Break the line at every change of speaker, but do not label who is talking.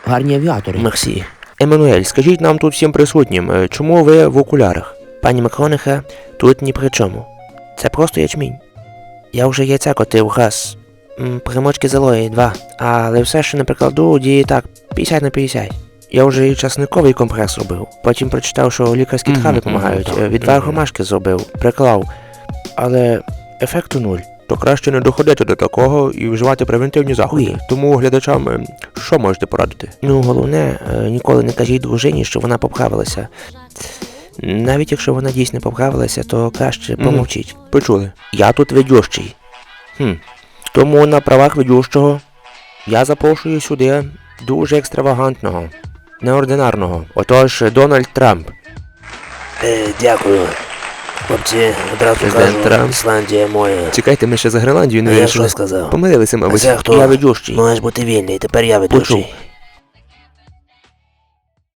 гарні авіатори.
Мерсі. Еммануель, скажіть нам тут всім присутнім, чому ви в окулярах? Пані Макрониха, тут ні при чому. Це просто ячмінь. Я вже яйця котив раз. Примочки залої 2. Але все, що не прикладу, діє так, 50 на 50. Я вже і часниковий компрес робив. Потім прочитав, що лікарські трави допомагають. Відвар ромашки зробив, приклав. Але ефекту 0. То краще не доходити до такого і вживати превентивні заходи. Тому глядачам, що можете порадити? Ну, головне, ніколи не кажіть дружині, що вона поправилася. Навіть якщо вона дійсно поправилася, то краще помовчіть. Почули. Я тут ведющий. Тому на правах ведющого я запрошую сюди дуже екстравагантного, неординарного. Отож, Дональд Трамп.
Дякую. Хлопці, одразу
Президент
кажу,
Трамп.
Ісландія моя.
Чекайте, ми ще за Гренландію не
Я
вирішили.
що сказав?
Помилилися, мабуть.
Це хто?
Я ведющий.
Маєш бути вільний, тепер я ведучий.
Почув.